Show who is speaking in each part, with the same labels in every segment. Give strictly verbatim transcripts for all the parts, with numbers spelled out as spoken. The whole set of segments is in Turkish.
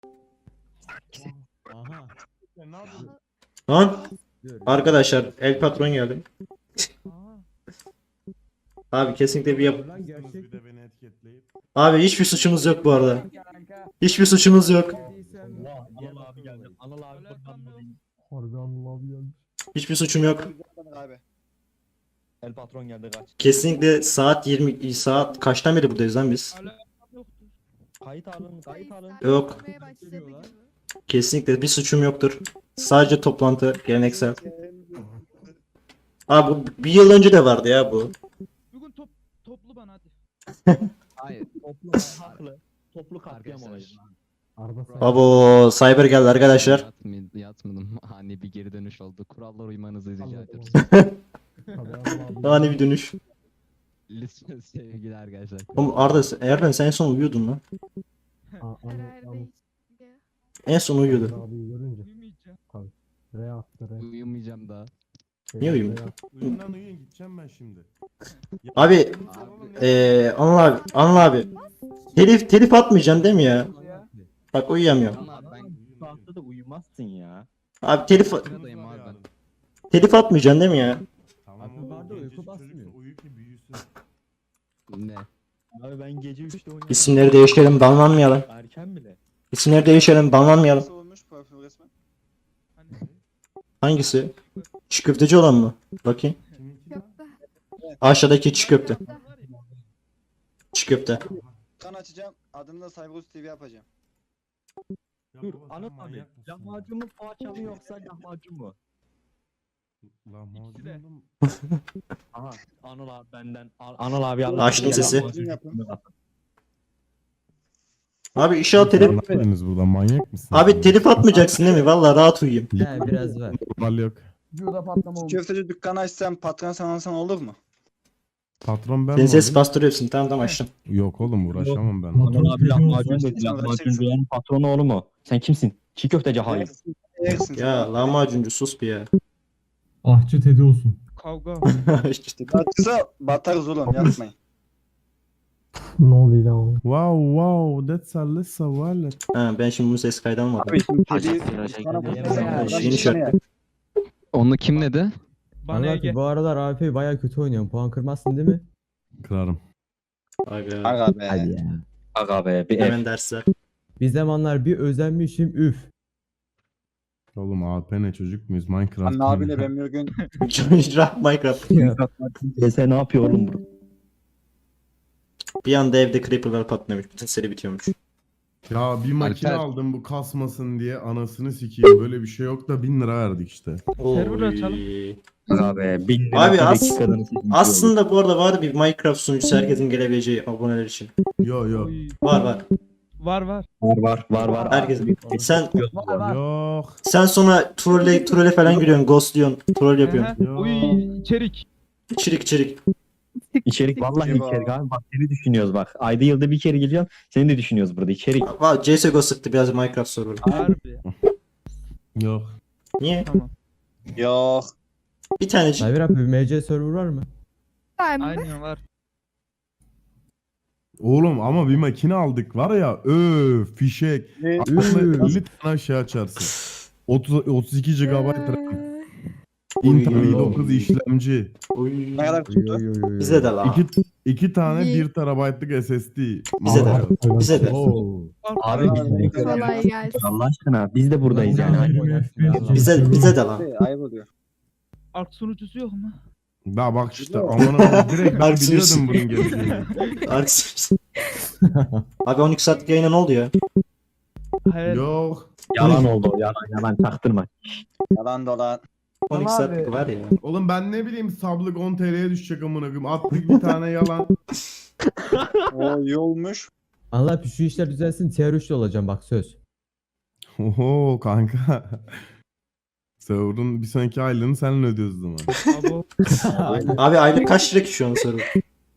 Speaker 1: Aha.
Speaker 2: Ne yapıyorsun?
Speaker 3: Lan arkadaşlar El Patron geldi. Abi kesinlikle bir yap.
Speaker 1: Lan gerçek
Speaker 2: Bir de beni etiketleyip.
Speaker 3: Abi hiçbir suçunuz yok bu arada. Hiçbir suçunuz yok.
Speaker 1: Allah, Anıl abi geldi. Anıl abi kurban olayım.
Speaker 4: Harbi Anıl abi geldi.
Speaker 3: Hiçbir suçum yok.
Speaker 5: Abi.
Speaker 1: El patron geldi kaç.
Speaker 3: Kesinlikle saat yirmi saat kaçtan beri buradayız lan biz?
Speaker 1: Kayıt alın, kayıt alın.
Speaker 3: Yok. Kesinlikle bir suçum yoktur. Sadece toplantı geleneksel. Abi bu bir yıl önce de vardı ya bu.
Speaker 6: Bugün top, toplu bana hadi.
Speaker 1: Hayır, toplu haklı. Toplu katliam olayı.
Speaker 4: Arda sen.
Speaker 3: Abo Cyber geldi arkadaşlar.
Speaker 7: Yatmı- Yatmadım. Ani bir geri dönüş oldu. Kurallara uymanızı rica
Speaker 4: Allah
Speaker 7: ediyoruz.
Speaker 4: Tabii Anıl abi.
Speaker 3: Ani bir dönüş.
Speaker 7: Lütfen sevgili arkadaşlar.
Speaker 3: Oğlum Arda Erdem sen en son uyuyordun lan.
Speaker 4: Aa, Anıl,
Speaker 8: Karar
Speaker 4: Anıl,
Speaker 8: değişti.
Speaker 3: En son uyuyordu.
Speaker 4: Anıl abiyi görünce.
Speaker 6: Uyumayacağım.
Speaker 4: R attı R.
Speaker 7: Uyumayacağım daha.
Speaker 3: Niye uyuyor?
Speaker 4: R attı.
Speaker 2: Uyuyun lan uyuyun gideceğim ben şimdi. Ya,
Speaker 3: Abi,
Speaker 2: benim sabahım ne?
Speaker 3: Eee Anıl abi, Anıl abi. Telif telif atmayacaksın değil mi ya? Bak uyuyamıyorum.
Speaker 7: Ama ben
Speaker 1: Bu saatte de uyumazsın ya.
Speaker 3: Abi telif
Speaker 7: sıradayım abi ben.
Speaker 3: telif atmayacaksın değil mi ya?
Speaker 2: Tamam
Speaker 4: Abi
Speaker 2: oğlum,
Speaker 4: vardı, uyku
Speaker 2: gencecik çocuk
Speaker 4: basmıyor.
Speaker 2: Uyu ki büyüsün.
Speaker 7: Ne?
Speaker 1: Abi ben gece üçte oynadım.
Speaker 3: İsimleri değiştirelim, banlanmayalım.
Speaker 1: Erken bile.
Speaker 3: İsimleri değiştirelim, banlanmayalım.
Speaker 5: Nasıl olmuş profil resmen?
Speaker 6: Hani
Speaker 3: Hangisi? Çiğ köfteci olan mı? Bakayım.
Speaker 2: Kiminki lan?
Speaker 8: Köfte.
Speaker 3: Aşağıdaki çiğ köfte.
Speaker 8: Köfte.
Speaker 3: Çiğ köfte.
Speaker 5: Kan açacağım. Adını da Cyberus T V yapacağım.
Speaker 2: Ya
Speaker 1: Dur
Speaker 2: baba, sen
Speaker 1: Anıl abi.
Speaker 2: manyak mısın ya?
Speaker 1: Lahmacun mu poğaça mı yoksa lahmacun mu?
Speaker 2: Lahmacun
Speaker 6: de.
Speaker 2: oğlum.
Speaker 1: Aha. Anıl abi benden. An- Anıl abi Allah.
Speaker 3: Açtım sesi.
Speaker 1: Lahmacun
Speaker 5: Yapın.
Speaker 3: Abi inşallah telif...
Speaker 2: Ne yapıyorsunuz burada manyak mısın?
Speaker 3: Abi telif atmayacaksın değil mi? Vallahi rahat uyuyayım.
Speaker 4: He biraz ver.
Speaker 2: Normal yok.
Speaker 4: Videoda patlama oldu.
Speaker 5: Köfteci dükkanı açsam patron sen alsan olur mu?
Speaker 2: Patron ben
Speaker 3: Senin
Speaker 2: mi
Speaker 3: ses
Speaker 2: olayım?
Speaker 3: bastırıyorsun. Tamam tamam açtım.
Speaker 2: Yok oğlum uğraşamam ben.
Speaker 1: Anıl abi lahmacun dedi.
Speaker 5: Sen
Speaker 1: Lahmacuncuların patronu oğlu mu? Sen kimsin? Çiğ köfteci hayır.
Speaker 5: Yersin sen.
Speaker 3: Ya lahmacuncu sus bir ya.
Speaker 4: Ahçı Tedi olsun.
Speaker 6: kavga.
Speaker 3: İşte.
Speaker 5: Batırsa batarız oğlum yapmayın.
Speaker 4: Ne oluyor lan oğlum?
Speaker 2: Wow wow that's a lisa wallet.
Speaker 3: Ha, ben şimdi bunu ses kaydı almadım.
Speaker 5: Abi şimdi
Speaker 7: Hacı
Speaker 5: kedi
Speaker 7: viraja
Speaker 5: bana
Speaker 7: geldi.
Speaker 5: bu
Speaker 3: Ya,
Speaker 5: sene-
Speaker 3: yeni şart.
Speaker 7: Onu kim dedi?
Speaker 6: Bana
Speaker 4: Anıl
Speaker 6: Ege.
Speaker 4: abi bu aralar A F baya kötü oynuyorsun. Puan kırmazsın değil mi?
Speaker 2: Kırarım.
Speaker 3: Aga.
Speaker 5: Aga be.
Speaker 4: ya.
Speaker 1: Aga be bir ev.
Speaker 3: Hemen dersler.
Speaker 4: Bir zamanlar bir özenmişim üf.
Speaker 2: Oğlum A P ne çocuk muyuz Minecraft?
Speaker 5: Anne abiyle ben bir gün
Speaker 3: Minecraft.
Speaker 1: D S ne yapıyor oğlum burada?
Speaker 3: Bir anda evde creeper'lar patlıyormuş. Bütün seri bitiyormuş.
Speaker 2: Ya bir makine
Speaker 7: Alper.
Speaker 2: aldım bu kasmasın diye anasını sikeyim. Böyle bir şey yok da bin lira verdik işte.
Speaker 6: Server açalım.
Speaker 3: Oy.
Speaker 1: Aga be bin lira
Speaker 3: Abi
Speaker 1: bir
Speaker 3: as-
Speaker 1: dakikadan sekiz oldu.
Speaker 3: Aslında bu arada var bir Minecraft sunucusu herkesin gelebileceği aboneler için.
Speaker 2: Yo yo.
Speaker 6: Oy.
Speaker 3: Var var.
Speaker 6: Var var.
Speaker 1: Var var var var.
Speaker 3: Herkes. Sen
Speaker 2: Yok.
Speaker 3: sen sonra trolle trolle falan giriyorsun, ghostluyorsun, troll yapıyorsun.
Speaker 6: Aha. Uy içerik.
Speaker 3: İçerik içerik.
Speaker 1: İçerik vallahi
Speaker 5: Eyvah.
Speaker 1: içerik abi bak seni düşünüyoruz bak. Ayda yılda bir kere geliyorum. Seni de düşünüyoruz burada içerik.
Speaker 3: Valla C S G O sıktı biraz Minecraft server.
Speaker 6: Harbi.
Speaker 2: Yok.
Speaker 3: Niye?
Speaker 6: Tamam.
Speaker 5: yok.
Speaker 3: Bir tanecik.
Speaker 4: Cyber abi bir M C server var mı?
Speaker 8: Var mı?
Speaker 6: Aynen var.
Speaker 2: Oğlum ama bir makine aldık var ya öf fişek.
Speaker 5: Ne?
Speaker 2: Aslında elli tane şey açarsın. otuz otuz iki gigabayt RAM.
Speaker 8: Ee,
Speaker 2: Intel
Speaker 3: Oy.
Speaker 2: i dokuz işlemci.
Speaker 3: Oy.
Speaker 5: Ne kadar
Speaker 4: Yo,
Speaker 5: tuttu?
Speaker 4: yo, yo, yo.
Speaker 3: Bize de la.
Speaker 2: İki, iki tane
Speaker 8: İyi.
Speaker 2: bir terabaytlık S S D.
Speaker 3: Bize de.
Speaker 2: Alacağız.
Speaker 3: Bize de.
Speaker 4: Oo.
Speaker 1: Abi biz de
Speaker 8: Kolay gelsin.
Speaker 1: Allah aşkına biz de buradayız yani.
Speaker 3: Bize bize de lan.
Speaker 5: Şey, ayıp oluyor.
Speaker 6: Ark sunucusu yok mu?
Speaker 2: Daha bak işte aman aman direkt ben
Speaker 3: Haksız.
Speaker 2: biliyordum bunun geleceğini.
Speaker 3: Arksız. Abi on iki saatlik yayına ne oldu ya?
Speaker 6: Hayır.
Speaker 2: Yok.
Speaker 1: Yalan oldu o yalan yalan taktırma.
Speaker 5: Yalan dolan.
Speaker 3: on iki saatlik var ya.
Speaker 2: Oğlum ben ne bileyim sablık on T L'ye düşecek amına koyayım. Attık bir tane yalan.
Speaker 5: O iyi olmuş.
Speaker 4: Anıl abi şu işler düzelsin tier üçte olacağım bak söz.
Speaker 2: Oho kanka. Server'ın bir sonraki aylığını seninle ödüyoruz o zaman.
Speaker 6: Abo.
Speaker 3: Abi aylık kaç lira ki şu an server?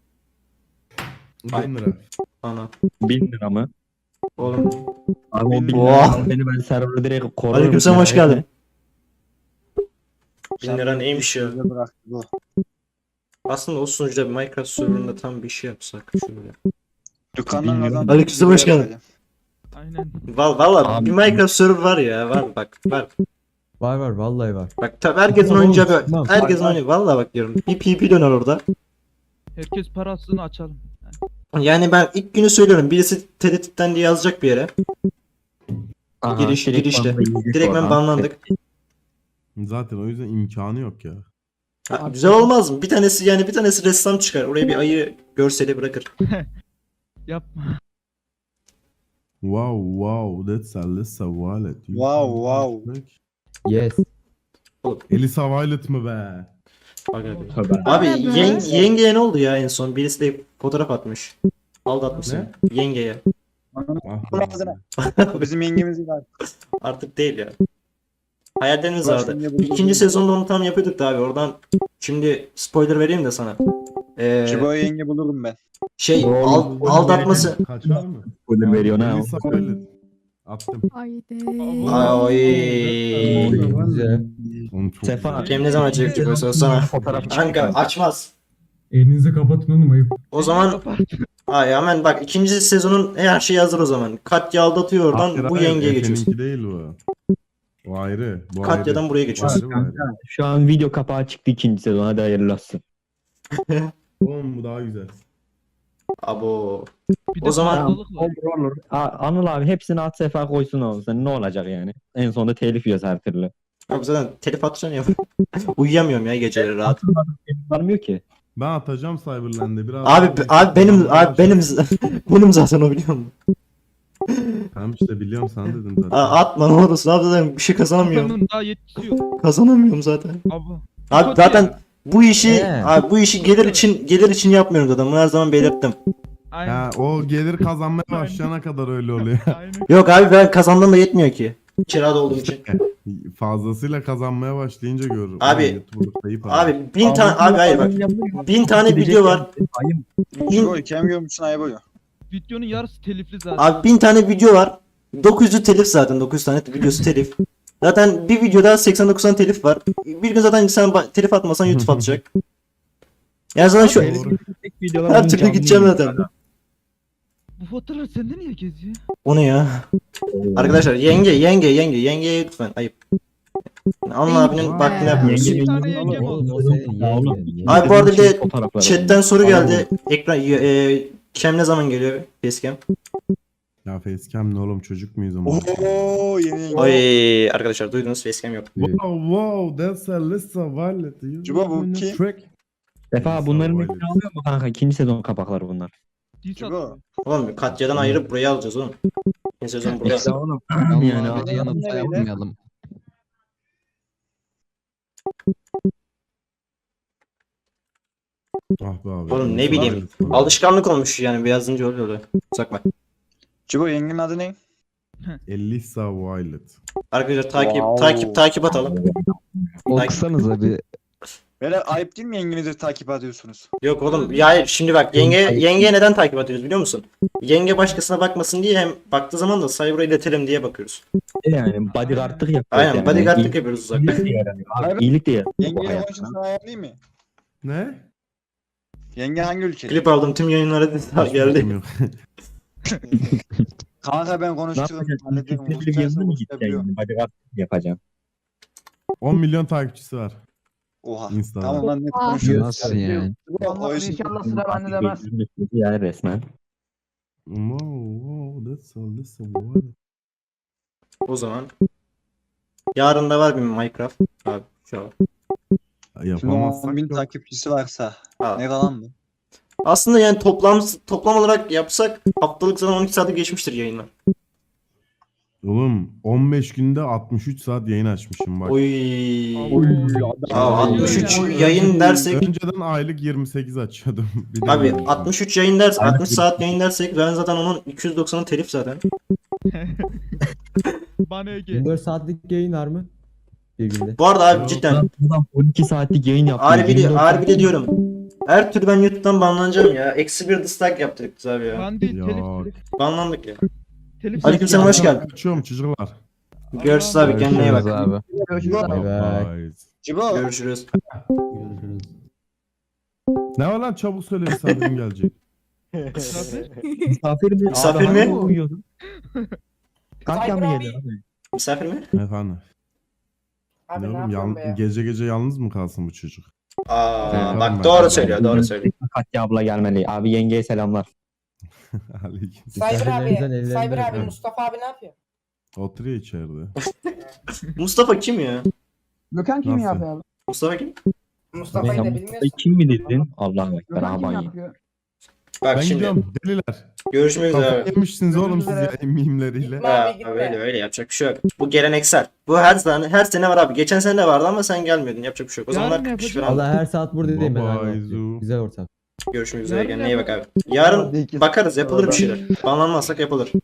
Speaker 2: bin lira.
Speaker 3: Ana.
Speaker 1: Bin lira mı?
Speaker 3: Oğlum.
Speaker 1: Abi o bin
Speaker 3: Oha.
Speaker 1: lira beni ben server'ı direkt korurum.
Speaker 3: Aleykümselam hoş
Speaker 1: merak
Speaker 3: geldin.
Speaker 1: etme.
Speaker 3: Bin lira neymiş ya?
Speaker 5: Bize bıraktı bu.
Speaker 3: Aslında o sunucuda bir Minecraft serverında tam bir şey yapsak şöyle.
Speaker 5: Dükkandan
Speaker 1: Bilmiyorum.
Speaker 5: kazandım.
Speaker 3: Aleykümselam, hoş geldin.
Speaker 6: Aynen. Aynen.
Speaker 3: Val valla
Speaker 1: Abi-
Speaker 3: bir Minecraft server var ya, var bak var.
Speaker 4: Var var vallahi var.
Speaker 3: Bak tabi herkesin
Speaker 4: Tamam,
Speaker 3: oynayacağı bir,
Speaker 4: tamam.
Speaker 3: herkesin oynayacağı, valla bak diyorum. Bir P P döner orada.
Speaker 6: Herkes parasını açalım.
Speaker 3: Yani ben ilk günü söylüyorum, birisi tehditten diye yazacak bir yere.
Speaker 1: Aha,
Speaker 3: Giriş-
Speaker 1: direkt
Speaker 3: girişte.
Speaker 1: banlayıcı
Speaker 3: Direkt ben
Speaker 1: oradan.
Speaker 3: banlandık.
Speaker 2: Zaten o yüzden imkanı yok ya.
Speaker 3: Ha, güzel olmaz mı? Bir tanesi yani bir tanesi ressam çıkar. Oraya bir ayı görseli bırakır.
Speaker 6: Yapma.
Speaker 2: Wow wow that's Alyssa Violet. You
Speaker 5: Wow,
Speaker 2: can
Speaker 5: wow.
Speaker 2: make-
Speaker 4: Yes.
Speaker 2: Elisa Violet mı be?
Speaker 3: Bak abi.
Speaker 1: Tövbe.
Speaker 3: Abi
Speaker 8: Abi.
Speaker 3: yeng yengeye ne oldu ya en son? Birisi de fotoğraf atmış. Aldatmışsın.
Speaker 2: Ne?
Speaker 3: Yengeye.
Speaker 2: Ah
Speaker 5: Bunun
Speaker 2: be.
Speaker 5: ağzına. Bizim yengemiz var.
Speaker 3: Artık değil ya. Hayallerimiz
Speaker 5: Başka
Speaker 3: vardı.
Speaker 5: yenge buluruz.
Speaker 3: İkinci sezonda onu tam yapıyorduk da abi. Oradan şimdi spoiler vereyim de sana. Ee,
Speaker 5: Cibo yenge bulurum ben.
Speaker 3: şey
Speaker 1: Doğru.
Speaker 3: al- aldatması.
Speaker 2: Kaç var mı?
Speaker 1: Spoiler veriyorsun ha.
Speaker 2: Elisa Violet. Attım.
Speaker 8: Haydi.
Speaker 3: Ay.
Speaker 4: Güzel.
Speaker 2: Oğlum çok
Speaker 1: Sefa.
Speaker 2: güzel.
Speaker 3: Kim ne zaman çekecek o söz sana?
Speaker 1: Fotoğraf
Speaker 3: Kanka açmaz.
Speaker 9: Elinizi kapatın oğlum ayıp.
Speaker 3: O zaman ay hemen bak ikinci sezonun her şeyi hazır o zaman. Katya aldatıyor oradan
Speaker 2: Hayır,
Speaker 3: bu
Speaker 2: hayır,
Speaker 3: yengeye geçiyorsun.
Speaker 2: Efe'ninki değil bu. O ayrı. Bu
Speaker 3: Katya'dan
Speaker 2: ayrı.
Speaker 3: buraya
Speaker 2: Bu
Speaker 3: geçiyorsun.
Speaker 2: ayrı, bu ayrı.
Speaker 1: Şu an video kapağı çıktı ikinci sezon. Hadi hayırlı olsun.
Speaker 2: Oğlum bu daha güzel.
Speaker 3: Abo.
Speaker 6: Bir
Speaker 3: O
Speaker 6: de
Speaker 3: zaman-
Speaker 6: fazlalık var.
Speaker 1: Olur olur. A- Anıl abi hepsini at sefa koysun oğlum. Sen ne olacak yani? En sonunda telif yiyoruz her türlü.
Speaker 3: Abi zaten telif atacaksın ya. Uyuyamıyorum ya geceleri rahat.
Speaker 1: Varmıyor ki.
Speaker 2: Ben atacağım Cyberland'e biraz.
Speaker 3: Abi
Speaker 2: daha-
Speaker 3: abi benim abi benim benim zaten o biliyor musun?
Speaker 2: Tamam işte biliyorum sana dedim zaten.
Speaker 3: Aa, atma ne olursun abi zaten bir şey kazanamıyorum.
Speaker 6: Bakanın daha yetkisi yok.
Speaker 3: Kazanamıyorum zaten.
Speaker 6: Abi.
Speaker 3: Abi
Speaker 6: Kötü
Speaker 3: zaten
Speaker 6: ya.
Speaker 3: bu işi
Speaker 4: He.
Speaker 3: abi bu işi gelir için gelir için yapmıyorum zaten. Bunu her zaman belirttim.
Speaker 6: Aynen.
Speaker 2: Ha, o gelir kazanmaya başlayana kadar öyle oluyor.
Speaker 6: Aynen.
Speaker 3: Yok abi ben kazandığım da yetmiyor ki. Kirada olduğum için.
Speaker 2: Fazlasıyla kazanmaya başlayınca görürüm.
Speaker 3: Abi-
Speaker 2: Ulan YouTube'da kayıp abi.
Speaker 3: Abi bin tane abi hayır bak. Bin tane video var.
Speaker 5: Cibo
Speaker 3: Bin,
Speaker 5: ikem görmüşsün ayıp oluyor.
Speaker 6: Videonun yarısı telifli zaten.
Speaker 3: abi bin tane video var. dokuz yüzü telif zaten. dokuz yüz tane videosu telif. Zaten bir videoda seksen dokuz tane telif var. Bir gün zaten sen ba- telif atmasan YouTube atacak. Yani zaten şu
Speaker 2: Doğru.
Speaker 3: her türlü gideceğim zaten.
Speaker 6: Bu fotoğraf sende niye geziyor?
Speaker 3: O ne ya? Arkadaşlar yenge yenge yenge yengeye lütfen ayıp. Anıl abinin vaktini yapmıyoruz.
Speaker 1: Yenge-
Speaker 6: Bir tane yengem
Speaker 4: Oğlum
Speaker 6: oldu.
Speaker 4: o senin yengen.
Speaker 3: Abi bu arada bir de
Speaker 1: Fotoğrafları.
Speaker 3: chatten soru geldi. Ekran e, Cam ne zaman geliyor? Facecam.
Speaker 2: Ya facecam ne oğlum çocuk muyuz ama?
Speaker 5: Oo yeni yenge.
Speaker 3: Oy arkadaşlar duydunuz facecam yok.
Speaker 2: Wow wow that's Alyssa Violet. You
Speaker 5: Cibo, bu
Speaker 2: in a
Speaker 5: kim?
Speaker 2: track.
Speaker 1: Sefa bunların
Speaker 2: Violet.
Speaker 1: hepsini alıyor mu kanka? İkinci sezon kapakları bunlar.
Speaker 6: Dis
Speaker 5: Cibo.
Speaker 6: atıyor.
Speaker 3: Oğlum Katya'dan ayırıp buraya alacağız oğlum. Bir sezon burada.
Speaker 1: İşte oğlum.
Speaker 7: Yani
Speaker 1: Yani
Speaker 7: abi de yanıp
Speaker 5: abi-
Speaker 7: sayılmayalım.
Speaker 2: Ah be abi.
Speaker 3: Oğlum ne bileyim. Alışkanlık olmuş yani yazınca öyle oluyor. Sakma.
Speaker 5: Cibo yengenin adı ne?
Speaker 2: Elisa Violet.
Speaker 3: Arkadaşlar takip
Speaker 5: Wow.
Speaker 3: takip takip atalım.
Speaker 7: Okusanıza bir.
Speaker 5: Böyle ayıp değil mi yengenizi takip ediyorsunuz?
Speaker 3: Yok oğlum ya hayır, şimdi bak yenge yengeye neden takip ediyoruz biliyor musun? Yenge başkasına bakmasın diye hem baktığı zaman da cyber'a iletelim diye bakıyoruz.
Speaker 1: Yani bodyguardlık yapıyor.
Speaker 3: Aynen bodyguardlık yapıyoruz uzakta.
Speaker 1: İyilik de yaramıyor. Abi, İyilik de yaramıyor bu
Speaker 5: Yengeyle
Speaker 1: hayatta.
Speaker 5: konuşun sana ayarlayayım mı?
Speaker 2: Ne?
Speaker 5: Yenge hangi ülke?
Speaker 3: Klip aldım tüm yayınlara da
Speaker 2: Hiç
Speaker 3: geldi.
Speaker 2: fikrim yok.
Speaker 5: Kanka ben
Speaker 1: Ne
Speaker 5: konuştuğum
Speaker 1: yapacaksın?
Speaker 5: hallederim.
Speaker 1: Türkçe bir yazılı mı gideceksin? Yani? Bodyguardlık yapacaksın.
Speaker 2: on milyon takipçisi var.
Speaker 5: Oha.
Speaker 2: Instagram.
Speaker 5: Tamam lan net
Speaker 8: Aa.
Speaker 5: konuşuyoruz.
Speaker 7: Nasıl yani?
Speaker 5: O işin-
Speaker 9: İnşallah sıra bende demez.
Speaker 1: Yani resmen.
Speaker 2: Wow wow that's Alyssa Violet.
Speaker 3: O zaman yarın da var bir Minecraft. Abi şu an.
Speaker 5: Şimdi
Speaker 2: Yapamazsak
Speaker 5: on bin
Speaker 2: yok.
Speaker 5: takipçisi varsa
Speaker 3: Aa.
Speaker 5: ne kalan mı?
Speaker 3: Aslında yani toplam toplam olarak yapsak haftalık zaten on iki saate geçmiştir yayınlar.
Speaker 2: Oğlum on beş günde altmış üç saat yayın açmışım bak.
Speaker 3: Oy.
Speaker 6: Aa,
Speaker 3: Aa, altmış üç
Speaker 6: Oy.
Speaker 3: yayın dersek
Speaker 2: Önceden aylık yirmi sekiz açıyordum. Bir de
Speaker 3: abi
Speaker 2: böyle.
Speaker 3: altmış üç yayın ders altmış saat yayın dersek ben zaten onun iki yüz doksanı telif zaten.
Speaker 6: Bana Ege.
Speaker 4: yirmi dört saatlik yayın var mı? Bir günde.
Speaker 3: Bu arada abi
Speaker 2: Yok.
Speaker 3: cidden
Speaker 1: Adam on iki saatlik yayın yapıyor.
Speaker 3: harbi de,
Speaker 1: yirmi dört
Speaker 3: harbi de
Speaker 1: saat-
Speaker 3: diyorum. Her türlü ben YouTube'dan banlanacağım ya. Eksi bir dislike yaptık biz abi ya.
Speaker 6: Ben değil
Speaker 2: Ya.
Speaker 6: telif telif.
Speaker 3: Banlandık ya.
Speaker 6: Telif
Speaker 3: Aleykümselam hoş geldin.
Speaker 2: Kaçıyorum çocuklar.
Speaker 3: Görüşürüz abi kendine iyi bak.
Speaker 7: Görüşürüz abi.
Speaker 4: Bay bay.
Speaker 2: Bye.
Speaker 5: Cibo.
Speaker 3: Görüşürüz.
Speaker 2: Ne var lan çabuk söyle misafirim gelecek.
Speaker 6: Misafir.
Speaker 1: Misafir mi?
Speaker 3: Misafir
Speaker 1: Abi,
Speaker 3: mi?
Speaker 1: hani uyuyordun? Katya mı
Speaker 10: Cyber
Speaker 1: geliyor abi?
Speaker 3: Misafir mi?
Speaker 2: Efendim.
Speaker 10: Abi
Speaker 2: Ne
Speaker 10: ne
Speaker 2: oğlum
Speaker 10: yapıyorsun
Speaker 2: yan-
Speaker 10: be ya?
Speaker 2: gece gece yalnız mı kalsın bu çocuk?
Speaker 3: Aa,
Speaker 2: Evet.
Speaker 3: bak doğru söylüyor, doğru söylüyor.
Speaker 1: Katya abla gelmeli. Abi yengeye selamlar.
Speaker 2: Aleyküm.
Speaker 10: Cyber abi,
Speaker 4: Misafirlerimizden ellerini
Speaker 10: Cyber abi
Speaker 2: öperim.
Speaker 10: Mustafa abi ne yapıyor?
Speaker 2: Oturuyor içeride.
Speaker 3: Mustafa kim ya?
Speaker 9: Gökhan
Speaker 2: kim Nasıl? yapıyor
Speaker 9: abi?
Speaker 3: Mustafa kim?
Speaker 10: Mustafa'yı da bilmiyorsun.
Speaker 1: Kim mi dedin? Allah'a ekber
Speaker 9: Gökhan kim
Speaker 1: aman ya.
Speaker 9: yapıyor?
Speaker 3: Bak
Speaker 2: Ben
Speaker 3: şimdi
Speaker 2: gidiyorum deliler.
Speaker 3: görüşmek üzere.
Speaker 2: Kafayı
Speaker 3: abi.
Speaker 2: yemişsiniz oğlum siz
Speaker 10: üzere.
Speaker 2: ya mimleriyle.
Speaker 10: Gitme
Speaker 3: Ha,
Speaker 10: abi gitme.
Speaker 3: öyle öyle yapacak bir şey yok. Bu geleneksel. Bu her sene her sene var abi. Geçen sene de vardı ama sen gelmiyordun. Yapacak bir şey yok. O
Speaker 6: Yarın
Speaker 3: zamanlar
Speaker 6: ne
Speaker 3: kırk kişi
Speaker 6: yapacağız?
Speaker 3: falan.
Speaker 4: Allah her saat buradayım ben.
Speaker 2: Baba,
Speaker 4: abi.
Speaker 2: Izu.
Speaker 4: Güzel ortam.
Speaker 3: Görüşmek üzere.
Speaker 6: Yarın
Speaker 3: Kendine
Speaker 6: ne
Speaker 3: iyi bak abi. Yarın bakarız yapılır bir şeyler. Banlanmazsak yapılır.